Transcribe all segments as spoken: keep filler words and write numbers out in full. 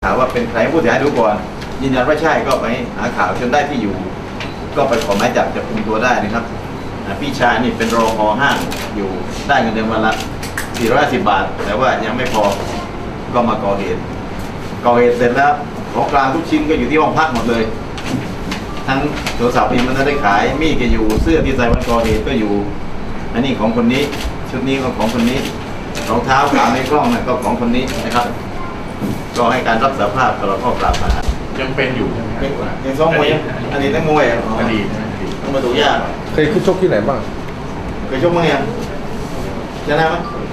ถามว่าเป็นใครผู้เสียหายดูก่อนยืนยันว่าใช่ก็ไปหาข่าวจนได้ที่อยู่ก็ไปขอหมายจับจับกุมตัวได้นะครับพี่ชายนี่เป็นรอพอห้างอยู่ได้เงินเดือนวันละสี่ร้อยสิบบาทแต่ว่ายังไม่พอก็มาก่อเหตุก่อเหตุเสร็จแล้วของกลางทุกชิ้นก็อยู่ที่ห้องพักหมดเลยทั้งโทรศัพท์นี่มันได้ขายมีดก็อยู่เสื้อที่ใส่วันก่อเหตุก็อยู่อันนี้ของคนนี้ชุดนี้ก็ของคนนี้รองเท้าขาในกล้องนั่นก็ของคนนี้นะครับก็ให้การรับสารภาพตลอดข้อกล่าวหายังเป็นอยู่ใช่ไหมยังซ้อมมวยอดีตนักมวยอดีตต้องมาดูยากเคยขึ้นชกที่ไหนบ้างเคยชกมั้งยังชนะไหม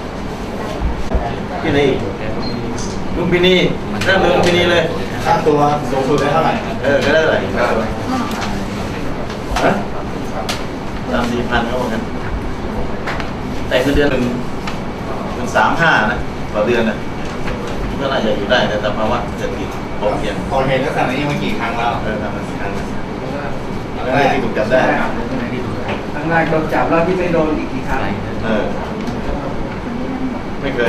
ที่ไหนลุมพินีเริ่มเลยลุมพินีเลยค่าตัวสูงสุดได้เท่าไหร่เออก็ได้เท่าไหร่สามสี่พันก็ว่ากันแต่คือเดือนหนึ่งเป็นสามห้านะต่อเดือนนะก็น่าจะอยู่ได้แต่สภาวะเศรษฐกิจพอเพียงก่อเหตุลักษณะนี้มากี่ครั้งแล้วเออทำมากี่ครั้งแล้วแรกที่ถูกจับได้ครั้งแรกโดนจับแล้วที่ไม่โดนอีกกี่ครั้งเออไม่เคย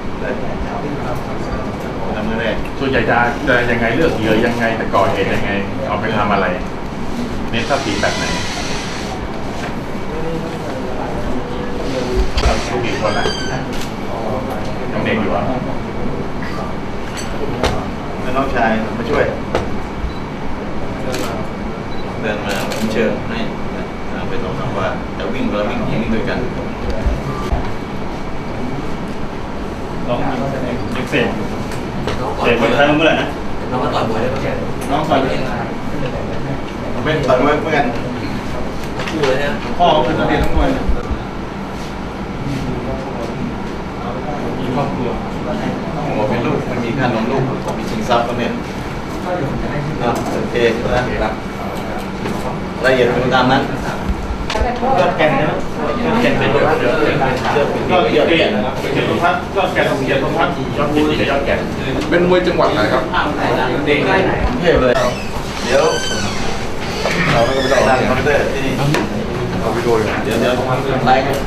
ทำเมื่อแรกส่วนใหญ่จะจะยังไงเลือกเหยื่อยังไงแต่ก่อเหตุยังไงเอาไปทำอะไรเน้นทรัพย์สินแบบไหนลูกอีกคนละยังเด็กอยู่อ่ะแล้วน้องชายมาช่วยเดินมาเชิญให้ไปตรงคำว่าจะวิ่งเราวิ่งยิงด้วยกันน้องยิงเสกเสกไปทำเมื่อไหร่นะน้องก็ต่อยมวยได้ไหมน้องต่อยเองเป็นต่อยมวยเหมือนกันคู่เลยนะพ่อเป็นนักเรียนนักมวยมีครอบครัวต้องบอกเป็นลูกมันมีค่านมลูกมีชิงทรัพย์ก็เนี่ยโอเคนะละเอียดเป็นตามนั้นยอดแก่นนะยอดแก่นเป็นยอดยอดยอดแก่นนะครับเกียรติพัฒน์ยอดแก่นของเกียรติพัฒน์ยอดบูรีกับยอดแก่นเป็นมวยจังหวัดไหนครับเด็กเทพเลยเดี๋ยวเราไม่ต้องไปคอมพิวเตอร์ที่นี่เอาวิดีโอเดี๋ยวเดี๋ยวไลฟ์กัน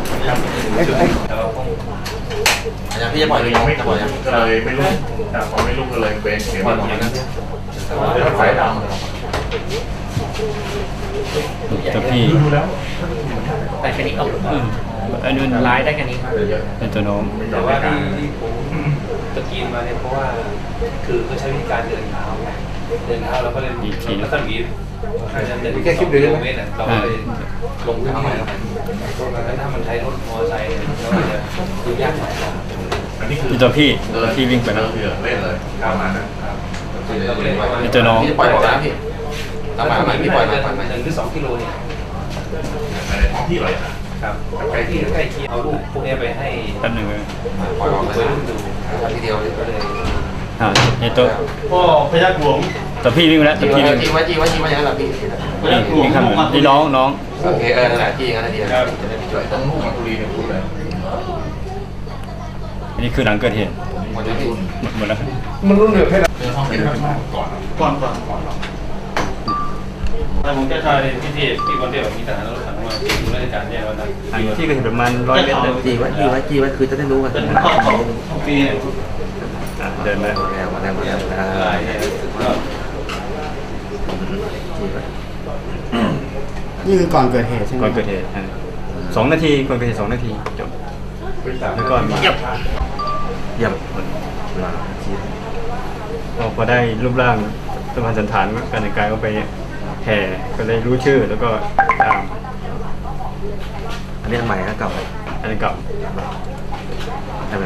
อาจารย์พี่จะปล่อยเลยไม่ปล่อยก็เลยไม่รู้แต่พอไม่รู้ก็เลยเป็นเสียงปล่อยอย่างนั้นเดี๋ยวไฟดำตัวพี่ดูแล้วแต่แค่นี้เอาอันนู้นไลฟ์ได้แค่นี้เป็นตัวน้องแต่ว่าที่ที่ผมตะกี้มาเนี่ยเพราะว่าคือเขาใช้วิธีการเดินเท้าเดินเท้าแล้วก็เลยแล้วก็หนีแค่คลิปเดียวเราก็เลยลงพื้นที่แล้วถ้ามันใช้รถมอเตอร์ไซค์เราจะดูยากหน่อยอันนี้คือตัวพี่ตัวพี่วิ่งไปแล้วเล่นเลยประมาณนั้นเป็นตัวน้องปล่อยบอกนะพี่ทำไมทำไมพี่ปล่อยมาปล่อยมาหนึ่งหรือสองกิโลเนี่ยในท้องที่เลยครับใกล้ที่ใกล้เคียงเอาลูกพวกนี้ไปให้แป๊บหนึ่งเลยปล่อยออกเลยดูทีเดียวก็เลยอ่าไอตัวพ่อพยัคฆ์หลวงตัวพี่วิ่งไปแล้วตัวพี่วิ่งจริงว่าจริงว่าจริงว่าอย่างนั้นแหละพี่นี่นี่ครับนี่น้องน้องโอเคเออนั่นแหละที่อย่างนั้นทีจะได้ไปช่วยต้องลูกมาตุรีเนี่ยพูดเลยอันนี้คือหลังเกิดเหตุหมดแล้วพี่หมดแล้วมันรุ่นเดือดแค่ไหนห้องเก็บก่อนก่อนก่อนก่อนแต่ผมจะทายพี่ที่พี่คนเดียวมีทหารรถถังมาดูราชการแย่วันนั้นที่เกิดเหตุประมาณร้อยเมตรจีวัดจีวัดจีวัดคือจะได้รู้กันเป็นข้อของปีเนี่ยเดินมาแล้วมาแล้วมาแล้วนี่คือก่อนเกิดเหตุใช่ไหมก่อนเกิดเหตุสองนาทีก่อนเกิดเหตุสองนาทีจบแล้วก็มีเยี่ยมเยี่ยมพอได้รูปร่างสมพันธ์สันฐานการแต่งกายก็ไปแห่ก็เลยรู้ชื่อแล้วก็ตามอันนี้ใหม่นะเก่าอันนี้เก่าแต่